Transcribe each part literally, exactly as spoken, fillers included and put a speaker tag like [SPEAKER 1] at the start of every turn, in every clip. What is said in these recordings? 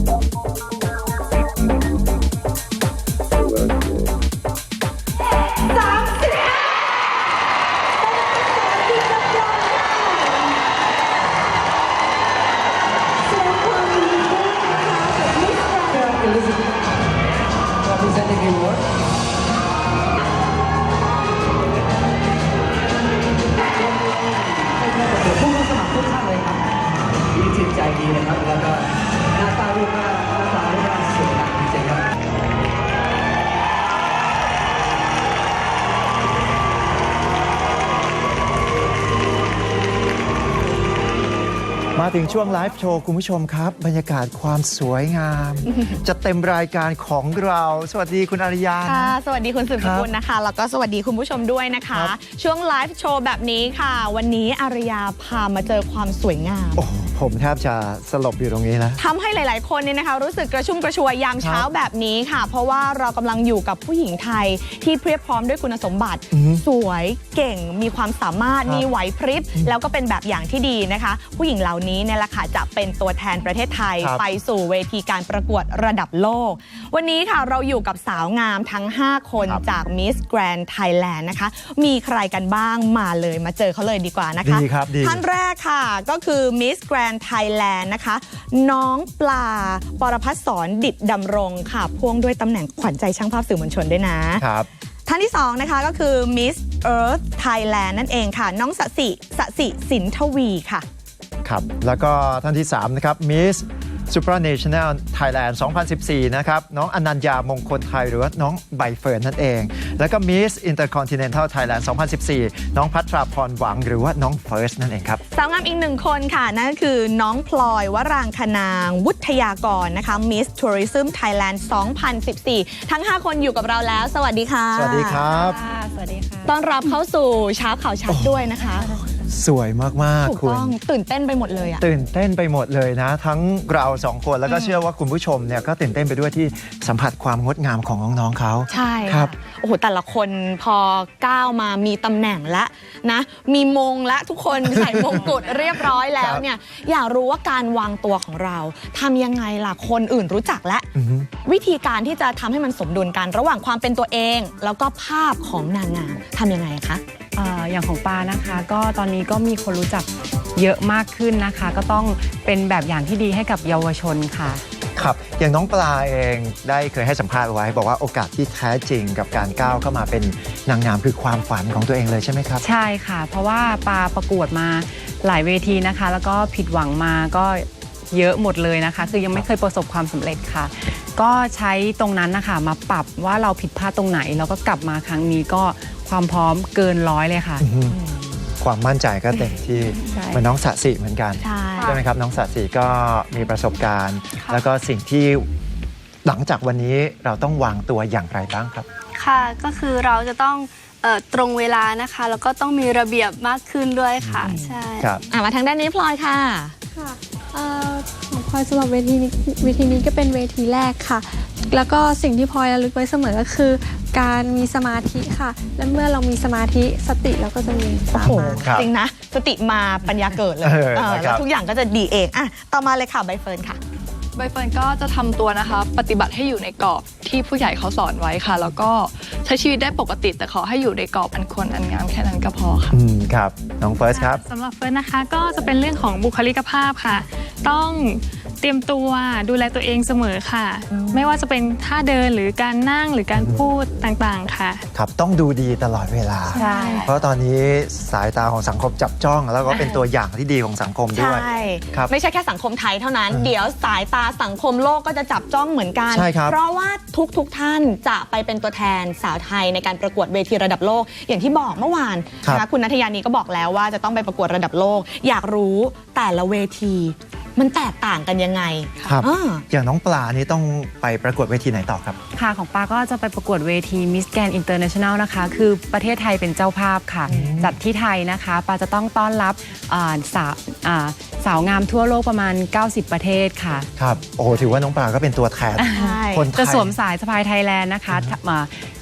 [SPEAKER 1] ใจดีนะครับแล้วก็หน้าตารูปหน้าหน้าตารูปหน้าสวยงามจริงๆครับมาถึงช่วงไลฟ์โชว์คุณผู้ชมครับบรรยากาศความสวยงาม จะเต็มรายการของเราสวัสดีคุณอารยา
[SPEAKER 2] ค่ะสวัสดีคุณสืบสกุลนะคะแล้วก็สวัสดีคุณผู้ชมด้วยนะคะช่วงไลฟ์โชว์แบบนี้ค่ะวันนี้อารยาพามาเจอความสวยงาม
[SPEAKER 1] ผมแทบจะสลบอยู่ตรงนี้นะ
[SPEAKER 2] ทำให้หลายๆคนเนี่ยนะคะรู้สึกกระชุ่มกระชวยยามเช้าแบบนี้ค่ะเพราะว่าเรากำลังอยู่กับผู้หญิงไทยที่เพียบพร้อมด้วยคุณสมบัติสวยเก่งมีความสามารถมีไหวพริบแล้วก็เป็นแบบอย่างที่ดีนะคะผู้หญิงเหล่านี้เนี่ยแหละค่ะจะเป็นตัวแทนประเทศไทยไปสู่เวทีการประกวดระดับโลกวันนี้ค่ะเราอยู่กับสาวงามทั้งห้าคนจาก Miss Grand Thailand นะคะมีใครกันบ้างมาเลยมาเจอเขาเลยดีกว่านะคะท่านแรกค่ะก็คือ Miss Grand Thailand นะคะน้องปลาปรพัฒน์สอนดิษฐ์ดำรงค่ะพ่วงด้วยตำแหน่งขวัญใจช่างภาพสื่อมวลชนด้วยนะครับท่านที่สองนะคะก็คือ Miss Earth Thailand นั่นเองค่ะน้องสสิสสิสินทวีค่ะ
[SPEAKER 1] ครับแล้วก็ท่านที่สามนะครับ Miss Supranational Thailand สองพันสิบสี่นะครับน้องอนัญญามงคลไทยหรือว่าน้องใบเฟิร์นนั่นเองแล้วก็ Miss Intercontinental Thailand สองพันสิบสี่น้องพัทราพรหวังหรือว่าน้องเฟิร์สนั่นเองครับ
[SPEAKER 2] สาวงามอีกหนึ่งคนค่ะนั่นคือน้องพลอยวรางคนางวุฒยากรนะคะ Miss Tourism Thailand สองพันสิบสี่ทั้งห้าคนอยู่กับเราแล้วสวัสดีค่ะ
[SPEAKER 1] สวัสดีครับ
[SPEAKER 2] สวัสดีค่ะต้อนรับเข้าสู่เช้าข่าวชัดด้วยนะคะ
[SPEAKER 1] สวยมากๆคุณ
[SPEAKER 2] ตื่นเต้นไปหมดเลยอะ
[SPEAKER 1] ตื่นเต้นไปหมดเลยนะทั้งเราสองคนแล้วก็เชื่อว่าคุณผู้ชมเนี่ยก็ตื่นเต้นไปด้วยที่สัมผัสความงดงามของน้องๆเขา
[SPEAKER 2] ใช่ครับโอ้โหแต่ละคนพอก้าวมามีตำแหน่งและนะมีมงและทุกคนใส่มงกุฎเรียบร้อยแล้วเนี่ยอยากรู้ว่าการวางตัวของเราทำยังไงล่ะคนอื่นรู้จักและวิธีการที่จะทำให้มันสมดุลกันระหว่างความเป็นตัวเองแล้วก็ภาพของนางงามทำยังไงคะ
[SPEAKER 3] อย่างของปานะคะก็ตอนนี้ก็มีคนรู้จักเยอะมากขึ้นนะคะก็ต้องเป็นแบบอย่างที่ดีให้กับเยาวชนค่ะ
[SPEAKER 1] ครับอย่างน้องปลาเองได้เคยให้สัมภาษณ์ไว้บอกว่าโอกาสที่แท้จริงกับการก้าวเข้ามาเป็นนางงามคือความฝันของตัวเองเลยใช่ไหมครับ
[SPEAKER 3] ใช่ค่ะเพราะว่าปาประกวดมาหลายเวทีนะคะแล้วก็ผิดหวังมาก็เยอะหมดเลยนะคะคือยังไม่เคยประสบความสำเร็จค่ะก็ใช้ตรงนั้นนะคะมาปรับว่าเราผิดพลาดตรงไหนแล้วก็กลับมาครั้งนี้ก็ความพร้อมเกินร้อยเลยค่ะ
[SPEAKER 1] ความมั่นใจก็เต็มที่เหมือนน้องสสิเหมือนกันใช่ไหมครับน้องสสิก็มีประสบการณ์แล้วก็สิ่งที่หลังจากวันนี้เราต้องวางตัวอย่างไรบ้างครับ
[SPEAKER 4] ค่ะก็คือเราจะต้องตรงเวลานะคะแล้วก็ต้องมีระเบียบมากขึ้นด้วยค่ะใช่
[SPEAKER 2] ครับมาทางด้านนี้พลอยค่ะ
[SPEAKER 5] ค่ะของพลอยสำหรับเวทีนี้เวทีนี้ก็เป็นเวทีแรกค่ะแล้วก็สิ่งที่พลอยระลึกไว้เสมอก็คือการมีสมาธิค่ะและเมื่อเรามีสมาธิสติเราก็จะมีสมาธิ
[SPEAKER 2] จริงนะสติมาปัญญาเกิดเลยแล้วทุกอย่างก็จะดีเองอ่ะต่อมาเลยค่ะใบเฟิร์นค่ะ
[SPEAKER 6] ใบเฟิร์นก็จะทำตัวนะคะปฏิบัติให้อยู่ในกรอบที่ผู้ใหญ่เขาสอนไว้ค่ะแล้วก็ใช้ชีวิตได้ปกติแต่ขอให้อยู่ในกรอบอันควรอันงามแค่นั้นก็พอค่ะ
[SPEAKER 1] อืมครับน้องเฟิร์สครับ
[SPEAKER 7] สำหรับเฟิร์สนะคะก็จะเป็นเรื่องของบุคลิกภาพค่ะต้องเตรียมตัวดูแลตัวเองเสมอค่ะไม่ว่าจะเป็นท่าเดินหรือการนั่งหรือการพูดต่างๆค่ะ
[SPEAKER 1] ครับต้องดูดีตลอดเวลาเพราะตอนนี้สายตาของสังคมจับจ้องแล้วก็เป็นตัวอย่างที่ดีของสังคมด้วย
[SPEAKER 2] ใช่ไม่ใช่แค่สังคมไทยเท่านั้นเดี๋ยวสายตาสังคมโลกก็จะจับจ้องเหมือนกันเพราะว่าทุกๆท่านจะไปเป็นตัวแทนสาวไทยในการประกวดเวทีระดับโลกอย่างที่บอกเมื่อวานนะคุณณัฐยานีก็บอกแล้วว่าจะต้องไปประกวดระดับโลกอยากรู้แต่ละเวทีมันแตกต่างกันยังไง
[SPEAKER 1] ครับอย่างน้องปลานี่ต้องไปประกวดเวทีไหนต่อครับ
[SPEAKER 3] ค่ะของปลาก็จะไปประกวดเวที Miss Grand International นะคะคือประเทศไทยเป็นเจ้าภาพค่ะจัดที่ไทยนะคะปลาจะต้องต้อนรับสาวสาวงามทั่วโลกประมาณเก้าสิบประเทศค่ะ
[SPEAKER 1] ครับโอ้โหถือว่าน้องปลาก็เป็นตัวแทน
[SPEAKER 3] คนไทยจะสวมสายสะพายไทยแลนด์นะคะ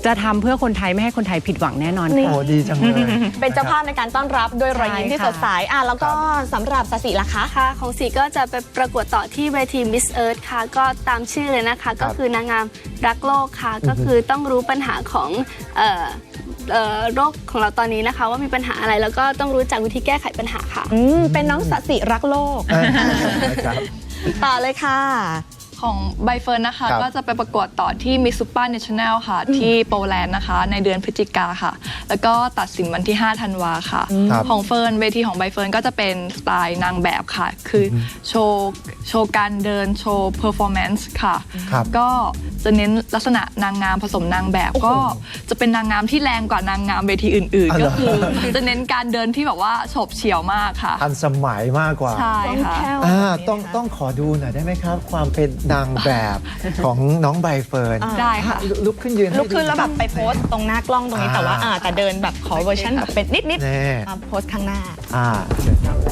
[SPEAKER 3] จะทำเพื่อคนไทยไม่ให้คนไทยผิดหวังแน่นอน
[SPEAKER 2] นี่
[SPEAKER 3] ค่ะ
[SPEAKER 1] โอ้ดีจังเลย
[SPEAKER 2] เป็นเจ้าภาพในการต้อนรับด้วยรอยยิ้มที่
[SPEAKER 3] ใช่
[SPEAKER 2] ส
[SPEAKER 3] ค่ะ
[SPEAKER 2] ดใสอ่ะแล้วก็สำหรับสสิล่ะคะ
[SPEAKER 4] ค่ะของสีก็จะไปประกวดต่อที่เวที Miss Earth ค่ะ ก็ตามชื่อเลยนะคะ ก็คือนางงามรักโลกค่ะ ก็คือต้องรู้ปัญหาของเอ่อเอ่อโรคของเราตอนนี้นะคะ ว่ามีปัญหาอะไรแล้วก็ต้องรู้จักวิธีแก้ไขปัญหาค่ะ
[SPEAKER 2] อืมเป็นน้องสสิรักโลก
[SPEAKER 1] นะครับ
[SPEAKER 2] ต่อเลยค่ะ
[SPEAKER 6] ของใบเฟิร์นนะคะ
[SPEAKER 1] ครับ
[SPEAKER 6] ก็จะไปประกวดต่อที่ Miss Super National ค่ะ ที่โปแลนด์นะคะ ในเดือนพฤศจิกาค่ะ แล้วก็ตัดสินวันที่ ห้า ธันวาค่ะ
[SPEAKER 1] ครับ
[SPEAKER 6] ของเฟิร์นเวทีของใบเฟิร์นก็จะเป็นสไตล์นางแบบค่ะ คืออโชว์โชว์การเดินโชว์เพอร์ฟอร์แมนซ์ค่ะ
[SPEAKER 1] ครับ
[SPEAKER 6] ก็จะเน้นลักษณะนางงามผสมนางแบบ ก็จะเป็นนางงามที่แรงกว่านางงามเวทีอื่น
[SPEAKER 1] อ๋อ
[SPEAKER 6] ๆ
[SPEAKER 1] เหร
[SPEAKER 6] ก็
[SPEAKER 1] อ
[SPEAKER 6] คือจะเน้นการเดินที่แบบว่าโฉบเฉี่ยวมากค่ะ
[SPEAKER 1] ทันสมัยมากกว่า
[SPEAKER 6] ใช่ค่ะ
[SPEAKER 1] อ่าต้องต้องขอดูหน่อยได้ไหมครับ ความเป็นนางแบบของน้องใบเฟิร์น
[SPEAKER 6] ได้ค่ะ
[SPEAKER 1] ลุลุกขึ้นยืนให้
[SPEAKER 2] ลุกขึ้น
[SPEAKER 1] ดู
[SPEAKER 2] แล้วแบบไปโพสต์ตรงหน้ากล้องตรงนี้
[SPEAKER 1] อ่า
[SPEAKER 2] แต่ว่าอ่าแต่เดินแบบขอเวอร์ชันแบบเป็นนิด
[SPEAKER 1] แน่
[SPEAKER 2] ๆมาโพสต์ข้างหน้า
[SPEAKER 1] อ่าเชิญครับ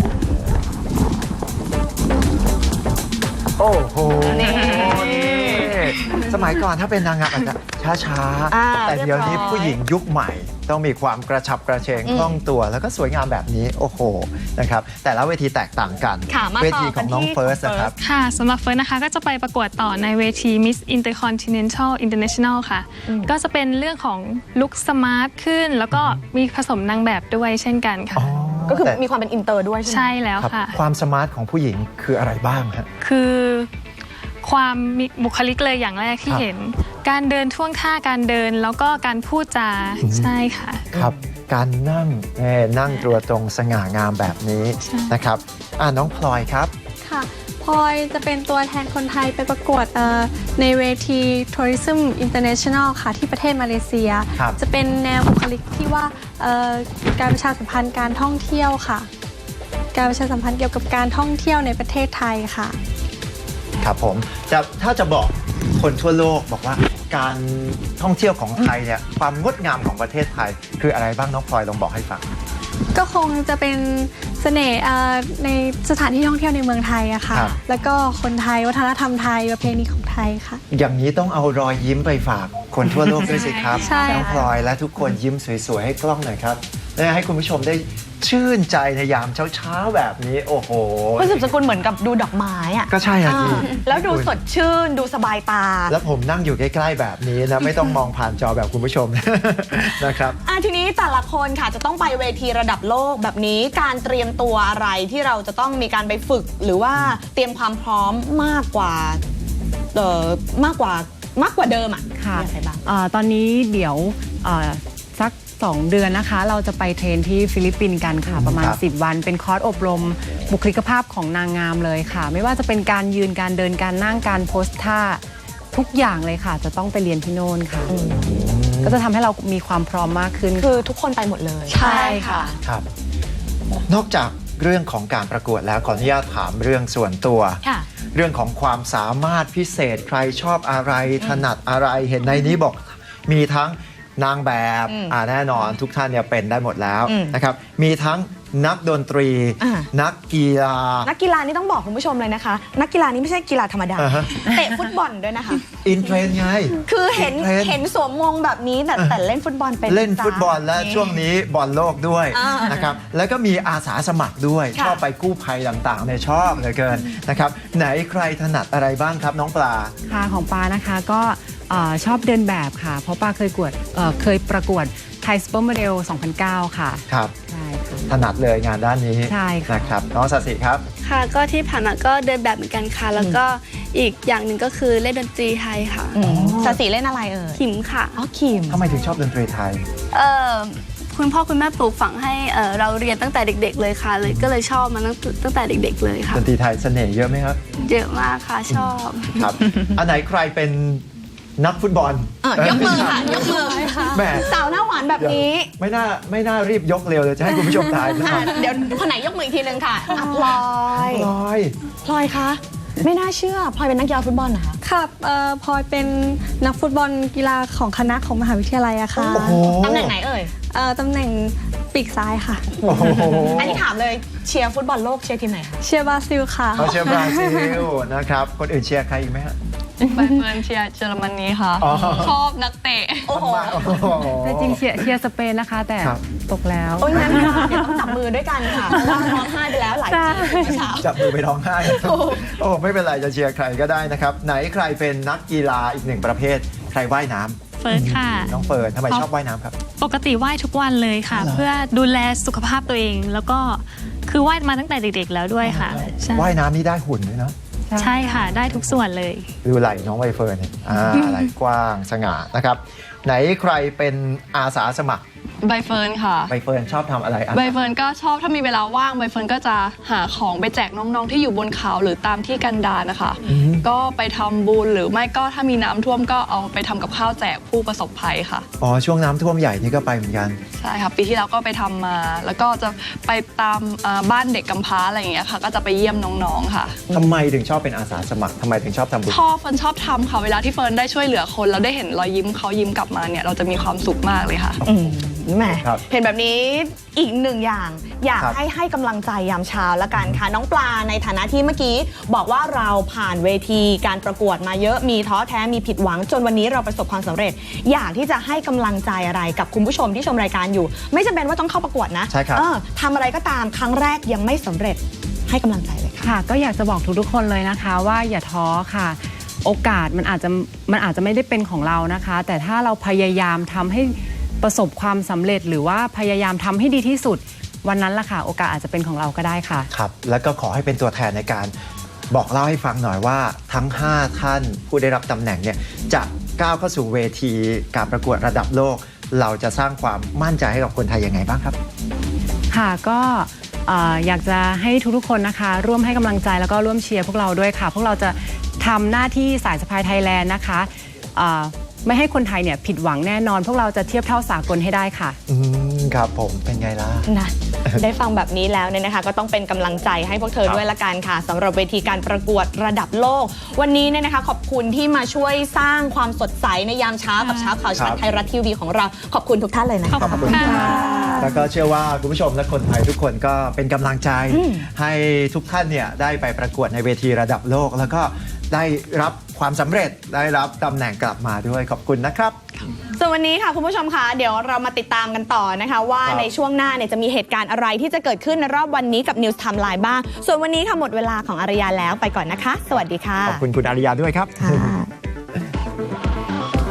[SPEAKER 1] โอ้โห
[SPEAKER 2] นี่
[SPEAKER 1] สมัยก่อนถ้าเป็นนางงามอาจจะช้า
[SPEAKER 2] อ่า
[SPEAKER 1] ๆ แต่เดี๋ยวนี้
[SPEAKER 2] เรียบร้อย
[SPEAKER 1] ผู้หญิงยุคใหม่ ต้องมีความกระฉับกระเฉงคล่องตัว แล้วก็สวยงามแบบนี้ โอ้โหนะครับแต่ละเวทีแตกต่างกัน
[SPEAKER 2] ค่ะมา
[SPEAKER 1] เว
[SPEAKER 2] ต่อ
[SPEAKER 1] ทีข
[SPEAKER 2] กั
[SPEAKER 1] อน ง
[SPEAKER 2] ที่
[SPEAKER 1] น้องเฟิร์ส
[SPEAKER 2] ของ
[SPEAKER 1] นะครับ
[SPEAKER 7] ค่ะสำหรับเฟิร์นนะคะก็จะไปประกวดต่อในเวที Miss Intercontinental International ค่ะ ก็จะเป็นเรื่องของลุคสมาร์ทขึ้น แล้วก็มีผสมนางแบบด้วยเช่นกันค่ะ
[SPEAKER 2] ก็คือ
[SPEAKER 1] แต่
[SPEAKER 2] มีความเป็นอินเตอร์ด้วยใช่ไหม
[SPEAKER 7] ใช่แล้ว
[SPEAKER 1] ครับ
[SPEAKER 7] ค่ะ
[SPEAKER 1] ความสมาร์ทของผู้หญิงคืออะไรบ้างฮะ
[SPEAKER 7] คือความมีบุคลิกเลยอย่างแรกที่
[SPEAKER 1] ครับ
[SPEAKER 7] เห็น การเดินท่วงท่าการเดินแล้วก็การพูดจาใช่ค่ะ
[SPEAKER 1] ครับการนั่งเอ่อนั่งตัวตรงสง่างามแบบนี้
[SPEAKER 7] ใช่
[SPEAKER 1] นะครับอ่าน้องพลอยครับ
[SPEAKER 5] ค่ะพลอยจะเป็นตัวแทนคนไทยไปประกวดเอ่อในเวที Tourism International ค่ะที่ประเทศมาเลเซีย
[SPEAKER 1] ครับ
[SPEAKER 5] จะเป็นแนวบุคลิกที่ว่าเอ่อการประชาสัมพันธ์การท่องเที่ยวค่ะ การประชาสัมพันธ์เกี่ยวกับการท่องเที่ยวในประเทศไทยค่ะ
[SPEAKER 1] ครับผมจะถ้าจะบอกคนทั่วโลกบอกว่าการท่องเที่ยวของไทยเนี่ยความงดงามของประเทศไทย คืออะไรบ้างน้องพลอยลองบอกให้ฟัง
[SPEAKER 5] ก็คงจะเป็นเสน่ห์เอ่อในสถานที่ท่องเที่ยวในเมืองไทยอะค่ะ
[SPEAKER 1] ครับ
[SPEAKER 5] แล้วก็คนไทยวัฒนธรรมไทยประเพณีของไทยค่ะ
[SPEAKER 1] อย่างนี้ต้องเอารอยยิ้มไปฝากคนทั่วโลกด้วยสิครับ
[SPEAKER 5] ใช่
[SPEAKER 1] น้องพลอยและทุกคนยิ้มสวยๆให้กล้องหน่อยครับและให้คุณผู้ชมได้ชื่นใจในยามเช้าๆแบบนี้โอ้โห
[SPEAKER 2] คุณสืบสกุลเหมือนกับดูดอกไม้อะ
[SPEAKER 1] ก็ใช่อ่ะ
[SPEAKER 2] อ่า
[SPEAKER 1] พี่
[SPEAKER 2] แล้วดูสดชื่นดูสบายตา
[SPEAKER 1] แล้วผมนั่งอยู่ใกล้ๆแบบนี้นะไม่ต้องมองผ่านจอแบบคุณผู้ชม นะครับ
[SPEAKER 2] อ่ะทีนี้แต่ละคนค่ะจะต้องไปเวทีระดับโลกแบบนี้การเตรียมตัวอะไรที่เราจะต้องมีการไปฝึก หรือว่าเตรียมความพร้อมมากกว่าเอ่อมากกว่ามากกว่าเดิมอ่ะ
[SPEAKER 3] ค่ะ
[SPEAKER 2] มีอะไรบ้าง
[SPEAKER 3] อ่าตอนนี้เดี๋ยวอ่าสักสองเดือนนะคะ เราจะไปเทรนที่ฟิลิปปินส์กันค่ะ ประมาณ
[SPEAKER 1] ครับ
[SPEAKER 3] สิบ วันเป็นคอร์สอบรมบุคลิกภาพของนางงามเลยค่ะ ไม่ว่าจะเป็นการยืนการเดินการนั่งการโพสท่าทุกอย่างเลยค่ะ จะต้องไปเรียนที่โน่นค่ะ ก็จะทำให้เรามีความพร้อมมากขึ้น
[SPEAKER 2] คือทุกคนไปหมดเลย
[SPEAKER 3] ใช่ค่ะ
[SPEAKER 1] ครับนอกจากเรื่องของการประกวดแล้วขออนุญาตถามเรื่องส่วนตัว
[SPEAKER 2] ค่ะ
[SPEAKER 1] เรื่องของความสามารถพิเศษใครชอบอะไรถนัดอะไรเห็นในนี้บอกมีทั้งนางแบบ
[SPEAKER 2] อืม
[SPEAKER 1] อ่าแน่นอนทุกท่านเนี่ยเป็นได้หมดแล้ว
[SPEAKER 2] อืม
[SPEAKER 1] นะครับมีทั้งนักดนตรี
[SPEAKER 2] อ่า
[SPEAKER 1] นักกีฬา
[SPEAKER 2] นักกีฬานี่ต้องบอกคุณผู้ชมเลยนะคะ นักกีฬานี่ไม่ใช่กีฬาธรรมดา
[SPEAKER 1] อ่าฮะ
[SPEAKER 2] เตะฟุตบอลด้วยนะคะ
[SPEAKER 1] อินเทรนด์ไง
[SPEAKER 2] คือเห็น
[SPEAKER 1] เทรนด์
[SPEAKER 2] เห็นสวมมงแบบนี้แต่แต่เล่นฟุตบอลเป็น
[SPEAKER 1] เล่นฟุตบอลและ
[SPEAKER 2] จ้า
[SPEAKER 1] ช่วงนี้บอลโลกด้วย
[SPEAKER 2] อ่าน
[SPEAKER 1] นะครับแล้วก็มีอาสาสมัครด้วย
[SPEAKER 2] ค่ะ
[SPEAKER 1] ชอบไปกู้ภัยต่างๆเนี่ยชอบเหลือเกินนะครับไหนใครถนัดอะไรบ้างครับน้องปลา
[SPEAKER 3] ค่ะของปานะคะก็เอ่อชอบเดินแบบค่ะ เพราะปาเคยกวดเอ่อเคยประกวดไทยซูเปอร์โมเดลสองพันเก้าค่ะ
[SPEAKER 1] ครับ
[SPEAKER 3] ใช่ค่ะ
[SPEAKER 1] ถนัดเลยงานด้านนี้
[SPEAKER 3] ใช่ค่ะ
[SPEAKER 1] นะครับน้องสสิครับ
[SPEAKER 4] ค่ะก็ที่ผ่านมาก็เดินแบบเหมือนกันค่ะ แล้วก็อีกอย่างหนึ่งก็คือเล่นดนตรีไทยค่ะ
[SPEAKER 2] อืมสสีเล่นอะไรเอ่ย
[SPEAKER 4] ขิมค่ะ
[SPEAKER 2] อ๋อคิม
[SPEAKER 1] ทำไมถึงชอบดนตรีไทย
[SPEAKER 4] เอ่อคุณพ่อคุณแม่ปลูกฝังให้เอ่อเราเรียนตั้งแต่เด็ก ๆ เลยค่ะ เลยก็เลยชอบมาตั้งตั้งแต่เด็ก ๆ เลยค่ะ
[SPEAKER 1] ดนตรีไทยเสน่ห์เยอะไหมครับ
[SPEAKER 4] เยอะมากค่ะชอบ
[SPEAKER 1] ครับ อันไหนใครเป็นนักฟุตบอล
[SPEAKER 2] เออยกมือค่ะยกมือ
[SPEAKER 1] แหม่
[SPEAKER 2] สาวหน้าหวานแบบนี้
[SPEAKER 1] ไม่น่าไม่น่ารีบยกเร็วเลยจะให้คุณผู้ชมทายนะค
[SPEAKER 2] อ่ะ
[SPEAKER 1] รับ
[SPEAKER 2] เดี๋ยวคนไหนยกมืออีกทีนึงค่ะอ่ะพลอย
[SPEAKER 1] พลอย
[SPEAKER 2] พลอยคะไม่น่าเชื่อพลอยเป็นนักกีฬาฟุตบอลเหรอคะ
[SPEAKER 5] ค่ะเอ่อพลอยเป็นนักฟุตบอลกีฬาของคณะของมหาวิทยาลัยอะค่ะ
[SPEAKER 1] โอ้โห
[SPEAKER 2] ตำแหน่งไหนเอ่ย
[SPEAKER 5] เอ่อตำแหน่งปีกซ้ายค่ะ
[SPEAKER 1] โอ้โห
[SPEAKER 2] อันนี้ถามเลยเชียร์ฟุตบอลโลกเชียร์ทีมไหนคะ
[SPEAKER 5] เชียร์บราซิลค่ะ
[SPEAKER 1] เขาเชียร์บราซิลนะครับคนอื่นเชียร์ใครอีกไหมฮะ
[SPEAKER 6] ใบเฟิร์นเชียร์เยอรมนีค่ะ
[SPEAKER 1] อ๋อ
[SPEAKER 6] ชอบนักเตะ
[SPEAKER 2] โอ้โห
[SPEAKER 1] โอ้โห
[SPEAKER 3] แต่จริงเชียร์เชียร์สเปนนะคะ แต่
[SPEAKER 1] ครับ
[SPEAKER 3] ตกแล้ว
[SPEAKER 2] โอ้ยงั้นค่ะเดี๋ยวต้องจับมือด้วยกันค่ะเพราะว่าร้องไห้ไปแล้วหลายทีเมื่อเช้า
[SPEAKER 1] จับมือไปร้องไห้ โอ้ไม่เป็นไรจะเชียร์ใครก็ได้นะครับ ไหนใครเป็นนักกีฬาอีกหนึ่งประเภท ใครว่ายน้ำ
[SPEAKER 7] เฟิร์สค่ะ
[SPEAKER 1] น้องเฟิร์นทำไมชอบว่ายน้ำครับ
[SPEAKER 7] ปกติว่ายทุกวันเลยค่ะ
[SPEAKER 1] อ๋อเหรอ
[SPEAKER 7] เพื่อดูแลสุขภาพตัวเอง แล้วก็คือว่ายมาตั้งแต่เด็กๆแล้วด้วยค่ะใช่
[SPEAKER 1] ว่ายน้ำนี่ได้หุ่นด้วยเนาะ
[SPEAKER 7] ใช่ค่ะ ได้ทุกส่วนเลย
[SPEAKER 1] ดูไหล่น้องใบเฟิร์นเนี่ยอ่าไหล่กว้างสง่านะครับ ไหนใครเป็นอาสาสมัคร
[SPEAKER 6] ใบเฟิร์นค่ะ
[SPEAKER 1] ใบเฟิร์นชอบทำอะไรอ่ะ
[SPEAKER 6] ใบเฟิร์นก็ชอบถ้ามีเวลาว่างใบเฟิร์นก็จะหาของไปแจกน้องๆที่อยู่บนเขาหรือตามที่กันดารนะคะ ก็ไปทำบุญหรือไม่ก็ถ้ามีน้ำท่วมก็เอาไปทำกับข้าวแจกผู้ประสบภัยค่ะ
[SPEAKER 1] อ๋อช่วงน้ำท่วมใหญ่นี่ก็ไปเหมือนกัน
[SPEAKER 6] ใช่ค่ะปีที่แล้วก็ไปทำมา แล้วก็จะไปตามอ่าบ้านเด็กกำพร้าอะไรอย่างเงี้ยค่ะ ก็จะไปเยี่ยมน้องๆค่ะ
[SPEAKER 1] ทำไมถึงชอบเป็นอาสาสมัครทำไมถึงชอบทำบุญ
[SPEAKER 6] ชอบเฟิร์นชอบทำค่ะเวลาที่เฟิร์นได้ช่วยเหลือคนแล้วได้เห็นรอยยิ้มเขายิ้มกลับมาเนี่ยเราจะมีความสุขมากเลยค่ะ
[SPEAKER 2] อืมแหม
[SPEAKER 1] ครับ
[SPEAKER 2] เห็นแบบนี้อีกหนึ่งอย่าง อยาก
[SPEAKER 1] ครับ
[SPEAKER 2] ให้ให้กำลังใจยามเช้าละกันค่ะ น้องปลาในฐานะที่เมื่อกี้ บอกว่าเราผ่านเวทีการประกวดมาเยอะมีท้อแท้มีผิดหวัง จนวันนี้เราประสบความสำเร็จ อยากที่จะให้กำลังใจอะไรกับคุณผู้ชมที่ชมรายการอยู่ ไม่จำเป็นว่าต้องเข้าประกวดนะ
[SPEAKER 1] ใช่ครับ
[SPEAKER 2] เออทำอะไรก็ตามครั้งแรกยังไม่สำเร็จให้กำลังใจเลยค่ะ
[SPEAKER 3] ค่ะก็อยากจะบอกทุกๆคนเลยนะคะว่าอย่าท้อค่ะ โอกาสมันอาจจะมันอาจจะไม่ได้เป็นของเรานะคะ แต่ถ้าเราพยายามทำให้ประสบความสำเร็จหรือว่าพยายามทำให้ดีที่สุดวันนั้นล่ะค่ะโอกาสอาจจะเป็นของเราก็ได้ค่ะ
[SPEAKER 1] ครับแล้วก็ขอให้เป็นตัวแทนในการบอกเล่าให้ฟังหน่อยว่าทั้งห้าท่านผู้ได้รับตำแหน่งเนี่ยจะก้าวเข้าสู่เวทีการประกวดระดับโลก เราจะสร้างความมั่นใจให้กับคนไทยยังไงบ้างครับ
[SPEAKER 3] ค่ะก็เอ่ออยากจะให้ทุกๆคนนะคะร่วมให้กำลังใจแล้วก็ร่วมเชียร์พวกเราด้วยค่ะ พวกเราจะทำหน้าที่สายสะพายไทยแลนด์นะคะเอ่อไม่ให้คนไทยเนี่ยผิดหวังแน่นอน พวกเราจะเทียบเท่าสากลให้ได้ค่ะ
[SPEAKER 1] อืมครับผมเป็นไงล่ะ
[SPEAKER 2] นะ ได้ฟังแบบนี้แล้วเนี่ยนะคะก็ต้องเป็นกำลังใจให้พวกเธอ
[SPEAKER 1] ครับ
[SPEAKER 2] ด้วยละกันค่ะสำหรับเวทีการประกวดระดับโลก วันนี้เนี่ยนะคะขอบคุณที่มาช่วยสร้างความสดใสในยามเช้ากับเช้าข่าวชัดไทยรัฐทีวีของเราขอบคุณทุกท่านเลยนะคะ
[SPEAKER 7] ขอบคุณค่ะ
[SPEAKER 1] แล้วก็เชื่อว่าคุณผู้ชมและคนไทยทุกคนก็เป็นกำลังใจ
[SPEAKER 2] อืม
[SPEAKER 1] ให้ทุกท่านเนี่ยได้ไปประกวดในเวทีระดับโลก แล้วก็ได้รับความสำเร็จได้รับตำแหน่งกลับมาด้วยขอบคุณนะครับ
[SPEAKER 2] ส่วนวันนี้ค่ะคุณผู้ชมคะเดี๋ยวเรามาติดตามกันต่อนะคะว่า
[SPEAKER 1] ครับ
[SPEAKER 2] ในช่วงหน้าเนี่ยจะมีเหตุการณ์อะไรที่จะเกิดขึ้นในรอบวันนี้กับ News Timeline บ้างส่วนวันนี้ค่ะหมดเวลาของอารยาแล้วไปก่อนนะคะ สวัสดีค่ะ
[SPEAKER 1] ขอบคุณคุณอาริยาด้วยครับ
[SPEAKER 2] ค่ะ